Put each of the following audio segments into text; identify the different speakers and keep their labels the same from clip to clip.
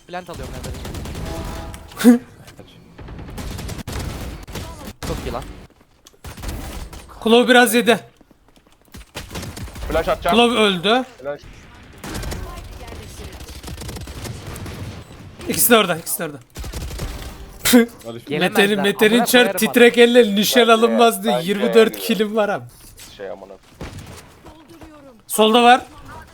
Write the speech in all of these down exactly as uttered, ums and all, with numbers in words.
Speaker 1: Plant alıyorum ben de. Çok iyi lan.
Speaker 2: Klov biraz yedi.
Speaker 3: Flash atacağım.
Speaker 2: Klov öldü.
Speaker 3: Flash.
Speaker 2: İkisi de orada, ikisi de orada.
Speaker 1: Gelemezler.
Speaker 2: Mete'nin Mete'nin
Speaker 1: Amına
Speaker 2: çar
Speaker 1: koyarım
Speaker 2: titrek elle nişan
Speaker 3: Bence-
Speaker 2: alınmaz diye
Speaker 3: bence
Speaker 2: yirmi dört
Speaker 3: yani.
Speaker 2: kilim var abi.
Speaker 3: Şey amına.
Speaker 2: Solda var.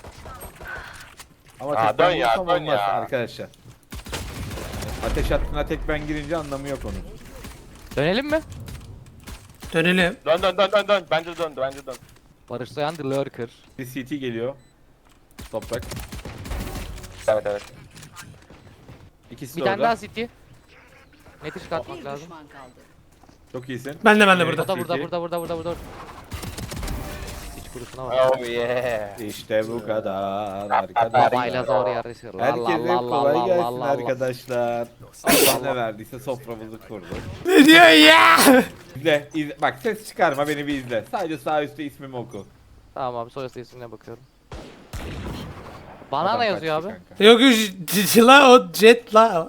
Speaker 4: Ama
Speaker 3: Aa,
Speaker 4: tek ben
Speaker 3: dön ya,
Speaker 4: vursam
Speaker 3: dön
Speaker 4: olmaz
Speaker 3: ya.
Speaker 4: arkadaşlar. Ateş hattına tek ben girince anlamı yok onun.
Speaker 1: Dönelim mi?
Speaker 2: Dönelim.
Speaker 3: Dön dön dön dön dön. Bence dön bence dön.
Speaker 1: Barış Soyan The Lurker.
Speaker 4: Bir C T geliyor. Toprak.
Speaker 3: Evet evet.
Speaker 4: İkisi
Speaker 1: Bir
Speaker 4: de
Speaker 1: tane
Speaker 4: orada.
Speaker 1: daha City. Neti çıkartmak lazım.
Speaker 4: Çok iyisin.
Speaker 2: Ben de ben de
Speaker 4: Evet.
Speaker 2: burada.
Speaker 1: Burada burada
Speaker 4: City.
Speaker 1: burada burada burada burada. Hiç kurusuna bak.
Speaker 3: Oh yeah.
Speaker 4: İşte bu kadar
Speaker 3: Arkadaşlar.
Speaker 1: Babayla
Speaker 4: arkadaşlar.
Speaker 1: zor yarışır. La la
Speaker 4: Herkese
Speaker 1: la la
Speaker 4: kolay
Speaker 1: la
Speaker 4: gelsin
Speaker 1: la la.
Speaker 4: arkadaşlar. Allah ne verdiyse soframızı kurdu.
Speaker 2: Ne diyor ya?
Speaker 4: İzle, izle. Bak ses çıkarma beni bir izle. Sadece sağ üstte ismimi oku.
Speaker 1: Tamam abi soyası isimine bakıyorum. Banana
Speaker 4: Adam
Speaker 1: yazıyor abi.
Speaker 4: kaçtı kanka.
Speaker 2: Yok yok j- j- la o jet la.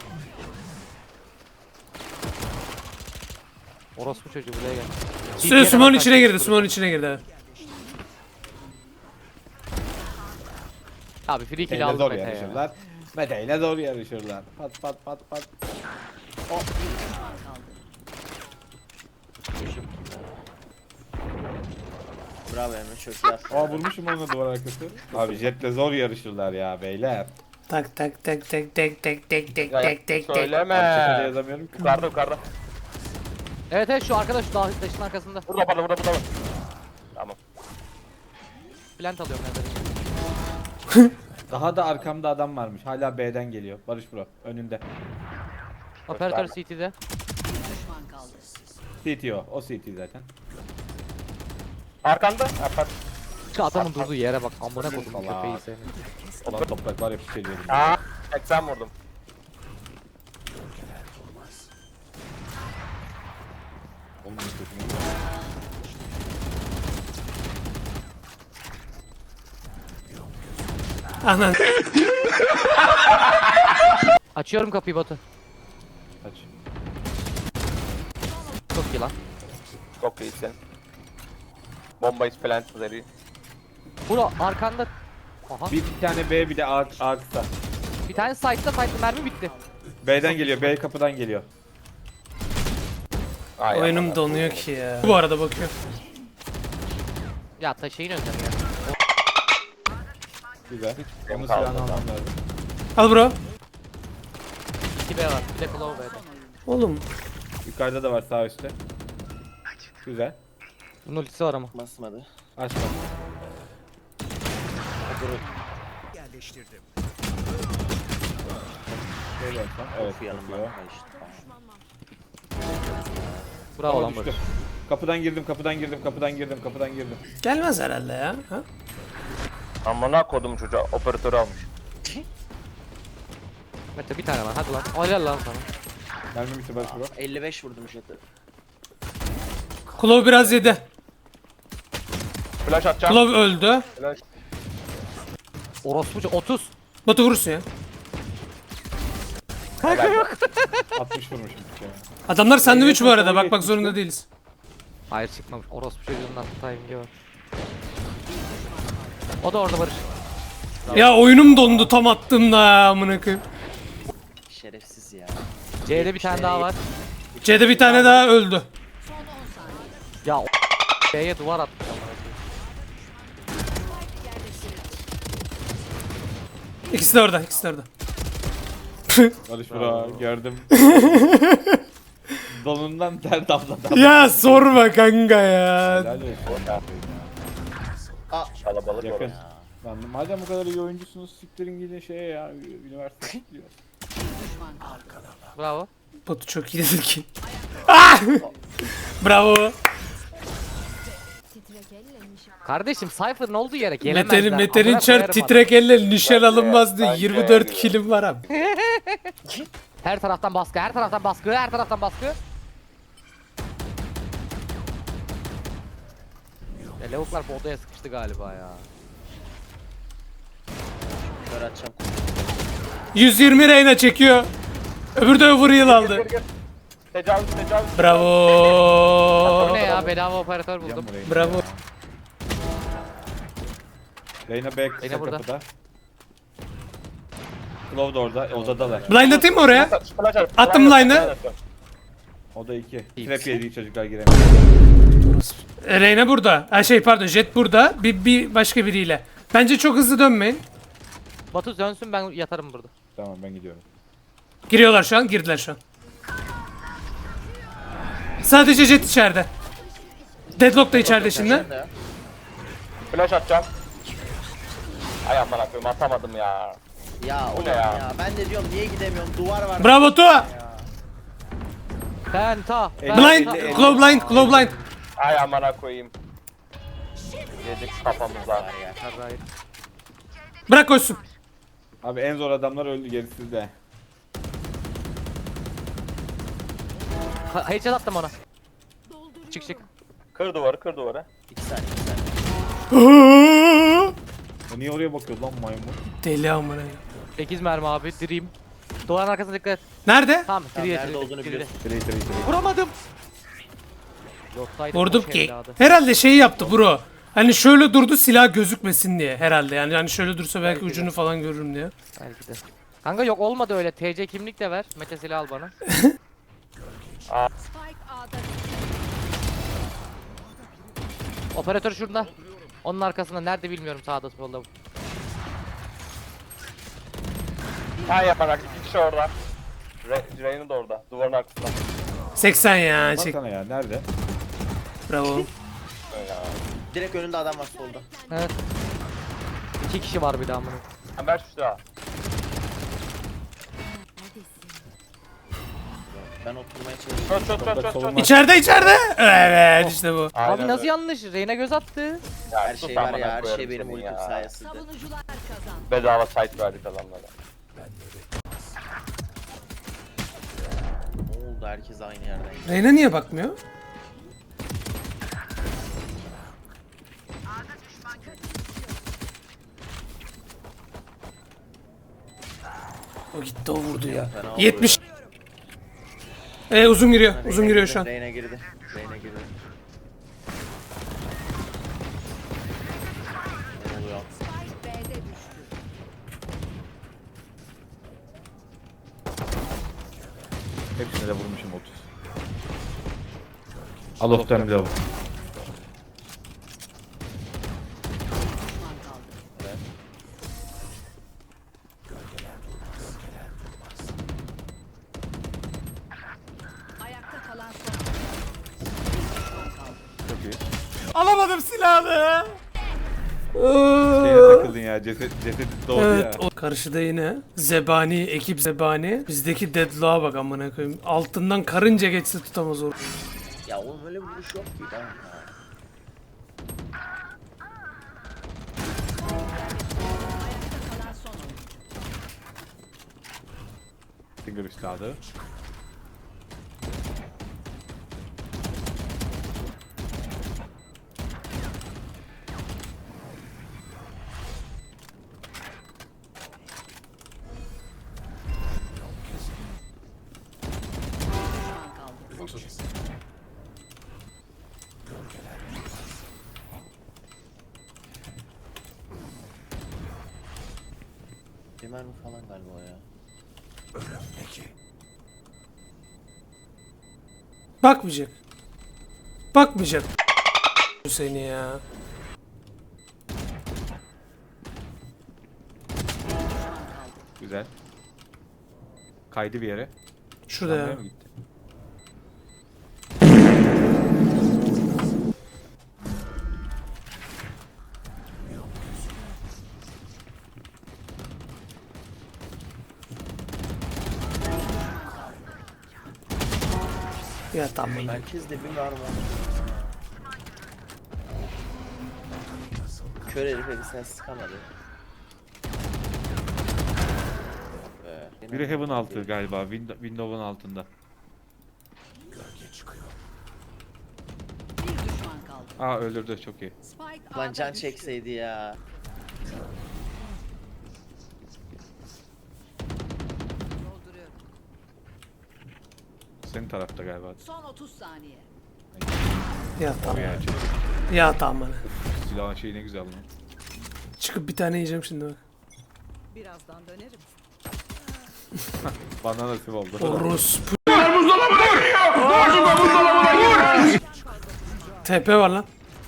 Speaker 1: Orospu çocuğu buraya gel.
Speaker 2: Su Sumon'un içine girdi, Sumon'un içine girdi. Evet.
Speaker 1: Abi free kill
Speaker 4: Mete'yle
Speaker 1: aldım
Speaker 4: zor
Speaker 1: Mete ya.
Speaker 4: yarışırlar. Mete'yle zor yarışırlar. Pat pat pat pat.
Speaker 5: Bravo Emre çok iyi attın.
Speaker 4: Aa vurmuşum onu duvar arkası. Abi jetle zor yarışırlar ya beyler.
Speaker 2: Tak tak tak tak tak tak tak tak
Speaker 3: Ya,
Speaker 2: tak tak tak.
Speaker 3: söyleme.
Speaker 4: Çakada yazamıyorum ki.
Speaker 3: Yukarıda yukarıda.
Speaker 1: Evet evet şu arkadaş şu dağ- taşın arkasında.
Speaker 3: Burada burada burada burada. Tamam.
Speaker 1: Plant alıyorum ben de.
Speaker 4: Daha da arkamda adam varmış. Hala B'den geliyor. Barış bro önünde.
Speaker 1: Operatör C T'de.
Speaker 4: C T o. O C T zaten.
Speaker 3: Arkanda. Ha, pat.
Speaker 1: Şu adamın durduğu yere bak. Amına kodum
Speaker 4: Allah.
Speaker 1: köpeği seni.
Speaker 4: Ulan toprak var ya piç ediyorum.
Speaker 3: Aa, seksen vurdum.
Speaker 4: Oğlum ne kötü.
Speaker 2: Anan.
Speaker 1: Açıyorum kapıyı Batu.
Speaker 4: Aç.
Speaker 1: Çok iyi lan.
Speaker 3: Çok iyisin. Bomba is plant üzeri.
Speaker 1: Bro arkanda. Aha.
Speaker 4: Bir tane B bir de A, A kısa.
Speaker 1: Bir tane site'da site'da mermi bitti.
Speaker 4: B'den geliyor. B kapıdan geliyor.
Speaker 3: Ay,
Speaker 2: Oyunum
Speaker 3: aman.
Speaker 2: donuyor ki ya. Bu arada bakıyor.
Speaker 1: Ya ta şeyin önünde ya.
Speaker 4: Güzel.
Speaker 3: Benim
Speaker 4: Onun
Speaker 3: kaldı.
Speaker 4: silahını almam lazım.
Speaker 2: Al bro.
Speaker 1: iki B var. Bir de Claw B'de.
Speaker 2: Oğlum.
Speaker 4: Yukarıda da var sağ üstte. Güzel.
Speaker 1: Bunun ultisi var ama.
Speaker 5: Basmadı.
Speaker 4: Açma. Şey yapsam, evet,
Speaker 5: Of yanımdan
Speaker 4: yapıyor.
Speaker 5: kaçtı.
Speaker 1: Bravo
Speaker 4: Ama
Speaker 1: lan
Speaker 4: düştü.
Speaker 1: Barış.
Speaker 4: Kapıdan girdim, kapıdan girdim, kapıdan girdim, kapıdan girdim.
Speaker 2: Gelmez herhalde ya. Ha?
Speaker 3: Amına kodum çocuğa operatörü almış.
Speaker 1: Mete bir tane lan hadi lan. Helal lan sana.
Speaker 4: Mermi bitti Barış bro.
Speaker 5: elli beş vurdum jet'e.
Speaker 2: Klov biraz yedi.
Speaker 3: Flash atacağım.
Speaker 2: Klov öldü.
Speaker 3: Flash.
Speaker 1: Orospu çocuğu otuz.
Speaker 2: Batu vurursun ya.
Speaker 4: altmış vurmuşum bir kere.
Speaker 2: Adamlar sandviç bu
Speaker 4: Eline
Speaker 2: arada.
Speaker 4: çok
Speaker 2: Bakmak
Speaker 4: yetmiş
Speaker 2: zorunda
Speaker 4: mi?
Speaker 2: değiliz.
Speaker 1: Hayır çıkmamış. Orospu çocuğundan timing'i var. O da orada Barış.
Speaker 2: Ya oyunum dondu tam attığımda ya amına koyayım.
Speaker 5: Şerefsiz ya.
Speaker 1: C'de bir tane daha var.
Speaker 2: C'de bir tane daha öldü.
Speaker 1: Ya o C'ye duvar atmış amına koyayım.
Speaker 2: İkisi de orada, ikisi de orada.
Speaker 4: Barış bro gördüm. Donundan ter damladı.
Speaker 2: Ya sorma kanka ya.
Speaker 4: Helal olsun.
Speaker 3: Kalabalık
Speaker 4: Yakın.
Speaker 3: orası.
Speaker 4: Lan madem bu kadar iyi oyuncusunuz siktirin gidin şeye ya üniversite gidiyor.
Speaker 1: Bravo.
Speaker 2: Batu çok iyi dedin ki. Ah! Bravo.
Speaker 1: Kardeşim Cypher'ın olduğu yere gelemezler.
Speaker 2: Mete'nin Mete'nin
Speaker 1: Amına
Speaker 2: çar
Speaker 1: koyarım
Speaker 2: titrek elle nişan alınmaz diye
Speaker 3: Bence
Speaker 2: yirmi dört
Speaker 3: yani.
Speaker 2: kilim var abi.
Speaker 1: adamı. Her taraftan baskı, her taraftan baskı, her taraftan baskı. Ya lavuklar bu odaya sıkıştı galiba ya.
Speaker 5: Kör atacağım.
Speaker 2: yüz yirmi Reyna çekiyor. Öbürü de overheal aldı.
Speaker 3: Gir gir. Tecavüz tecavüz.
Speaker 1: Bu
Speaker 2: Bravo.
Speaker 1: ne ya, bedava operatör buldum.
Speaker 4: Burayı.
Speaker 2: Bravo.
Speaker 4: Reyna B kısa
Speaker 1: Reyna burada.
Speaker 4: kapıda. Claw da orada, odadalar.
Speaker 2: Blind atayım mı oraya?
Speaker 3: Flash at,
Speaker 2: Attım
Speaker 3: flash at,
Speaker 2: line'ı.
Speaker 3: flash at.
Speaker 4: O da iki.
Speaker 1: İyi.
Speaker 4: Trap yedi çocuklar giremiyor.
Speaker 2: E, Reyna burada. Ha şey pardon, Jet burada. Bir, bir başka biriyle. Bence çok hızlı dönmeyin.
Speaker 1: Batu dönsün, ben yatarım burada.
Speaker 4: Tamam ben gidiyorum.
Speaker 2: Giriyorlar şu an. Girdiler şu an. Sadece Jet içeride. Deadlock da içeride şimdi.
Speaker 5: Sen de ya.
Speaker 3: Flash atacağım. Ay aman akıyım atamadım ya.
Speaker 5: Ya
Speaker 3: Bu
Speaker 5: oğlum
Speaker 3: ne ya?
Speaker 5: ya? Ben de diyorum niye gidemiyorum? Duvar var.
Speaker 2: Bravo Tu.
Speaker 1: Penta.
Speaker 4: Elli,
Speaker 2: Blind.
Speaker 4: elli, elli.
Speaker 2: Glow blind. Glow blind.
Speaker 3: Ay amına koyayım. Yedik kafamıza.
Speaker 5: Var ya.
Speaker 1: Hayır.
Speaker 2: Bırak koşsun.
Speaker 4: Abi en zor adamlar öldü, gerisi sizde.
Speaker 1: Ha- Headshot attım ona. Çık çık.
Speaker 3: Kır duvarı kır duvarı.
Speaker 5: İki saniye, iki saniye.
Speaker 4: O niye oraya bakıyor lan maymun?
Speaker 2: Deli amına.
Speaker 1: sekiz mermi abi, direyim. Duvarın arkasına dikkat et.
Speaker 2: Nerede?
Speaker 1: Tamam,
Speaker 5: Tamam,
Speaker 1: diri
Speaker 5: nerede
Speaker 1: diri
Speaker 5: olduğunu
Speaker 1: diri.
Speaker 5: biliyorsun.
Speaker 4: Trey trey trey.
Speaker 1: Vuramadım. Yoksaydı
Speaker 2: Vurdum
Speaker 1: boş
Speaker 2: ki.
Speaker 1: evladı.
Speaker 2: Herhalde şeyi yaptı bro. Hani şöyle durdu, silah gözükmesin diye herhalde. Yani hani şöyle dursa belki ucunu falan görürüm diye.
Speaker 1: Belki de. Kanka yok, olmadı öyle. T C kimlik de ver. Mete silah al bana. Operatör şurada. Onun arkasında nerede bilmiyorum, sağda solda.
Speaker 3: Ay yaparak iki kişi orada. Re Reyna da orada. Duvarın arkasında.
Speaker 2: seksen ya çek.
Speaker 4: Baksana ya, nerede?
Speaker 2: Bravo.
Speaker 3: Öyle ya.
Speaker 5: Direkt önünde adam var solda.
Speaker 1: Evet. İki kişi var bir daha bunun.
Speaker 3: Ha, ver şu silahı.
Speaker 5: Ben oturmaya çalışıyorum.
Speaker 3: Çöz çöz çöz çöz çöz.
Speaker 4: Solunma.
Speaker 2: İçeride içeride. Evet işte bu.
Speaker 3: Aynen
Speaker 1: Abi nasıl
Speaker 3: öyle.
Speaker 1: yanlış? Reyna göz attı.
Speaker 3: Ya,
Speaker 5: Her
Speaker 3: sus
Speaker 5: şey var
Speaker 3: amına
Speaker 5: ya, her
Speaker 3: koyarım
Speaker 5: şey benim
Speaker 3: senin
Speaker 5: ultim
Speaker 3: ya.
Speaker 5: sayesinde.
Speaker 3: Bedava site verdik adamlara.
Speaker 5: Ne oldu? Herkes aynı yerden.
Speaker 2: Reyna niye bakmıyor? O gitti, o vurdu ya.
Speaker 5: Fena
Speaker 2: yetmiş. Ee, uzun giriyor. Uzun giriyor şu an.
Speaker 5: Reyna girdi. Reyna girdi. Ne oluyor?
Speaker 4: Hepsine de vurmuşum otuz. Al oftan bir de. Çok iyi.
Speaker 2: Alamadım silahını.
Speaker 4: Şeye takıldın ya, ceset, ceset doğdu
Speaker 2: Evet,
Speaker 4: ya.
Speaker 2: o karşıda yine Zebani, ekip Zebani. Bizdeki deadlock'a bak amına koyayım. Altından karınca geçse tutamaz o.
Speaker 5: Ya oğlum öyle bir vuruş yok ki. Tamam ya.
Speaker 4: Finger üstadı.
Speaker 5: Bir mermi falan galiba o ya.
Speaker 2: Bakmayacak. Bakmayacak. Seni ya.
Speaker 4: Güzel. Kaydı bir yere.
Speaker 2: Şurada ya.
Speaker 4: Oraya mı gitti?
Speaker 2: Ya tamam.
Speaker 5: Herkes de bir mermi. Kör herife bir sen sıkamadı. Be.
Speaker 4: Biri Heaven altı galiba. Window, Windows'un altında. Aa öldürdü, çok iyi.
Speaker 5: Lan can çekseydi ya.
Speaker 4: senin tarafta galiba.
Speaker 6: Son otuz saniye.
Speaker 2: Ya tamam.
Speaker 4: Gerçek.
Speaker 2: Ya tamam.
Speaker 4: Silahın şeyi ne güzel lan.
Speaker 2: Çıkıp bir tane yiyeceğim şimdi bak.
Speaker 6: Birazdan dönerim.
Speaker 4: Bana nasip oldu.
Speaker 2: Orospu. T P var lan.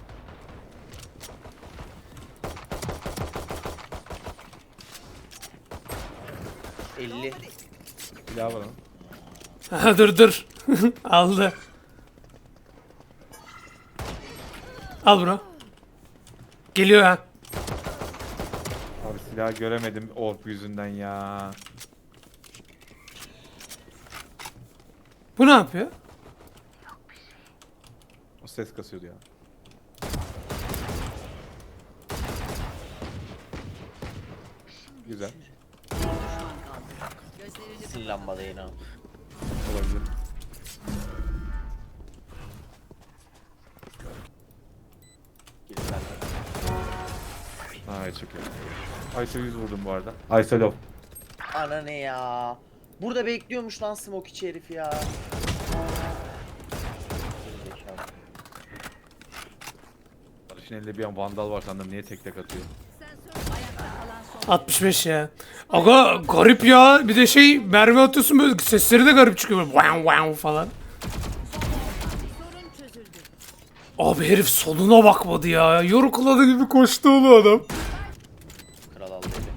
Speaker 5: elli.
Speaker 4: Silah var lan.
Speaker 2: Aha, dur dur. Aldı. Al bro. Geliyor ha.
Speaker 4: Abi silah göremedim orp yüzünden ya.
Speaker 2: Bu ne yapıyor?
Speaker 4: O ses kasıyordu ya. Güzel.
Speaker 5: Sil lambada yine.
Speaker 4: Olabilir.
Speaker 5: Gidip ben de.
Speaker 4: Ay çok iyi. Aysa yüz vurdum bu arada. Aysa low.
Speaker 5: Ana ne ya? Burada bekliyormuş lan smoke içi herif ya. Gerizekalı.
Speaker 4: Barış'ın elinde bir an vandal var sandım, niye tek tek atıyor?
Speaker 2: altmış beş ya. Aga garip ya. Bir de şey mermi atıyorsun böyle sesleri de garip çıkıyor. Böyle wow wow falan. Abi herif soluna bakmadı ya. Yorukuladı gibi koştu oğlum adam.
Speaker 5: Kral aldı eli.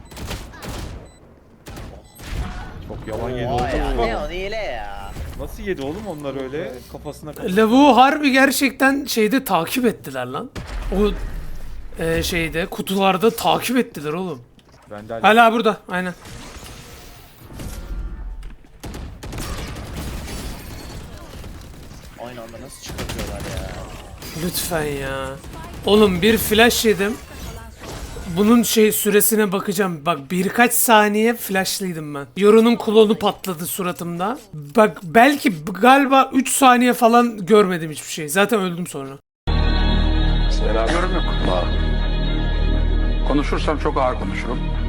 Speaker 4: Çok yalan yedi
Speaker 5: Oha ya
Speaker 4: oğlum.
Speaker 5: ne o ne ile ya.
Speaker 4: Nasıl yedi oğlum onlar öyle? Kafasına kafasına.
Speaker 2: Lavuğu harbi gerçekten şeyde takip ettiler lan. O e, şeyde kutularda takip ettiler oğlum.
Speaker 4: Ben de hala...
Speaker 2: Hala burada aynen.
Speaker 5: Aynı anda nasıl çıkartıyorlar ya.
Speaker 2: Lütfen ya. Oğlum bir flash yedim. Bunun şey süresine bakacağım. Bak birkaç saniye flashlıydım ben. Yoru'nun klonu patladı suratımda. Bak belki galiba üç saniye falan görmedim hiçbir şey. Zaten öldüm sonra.
Speaker 7: Yorum yok. Konuşursam çok ağır konuşurum.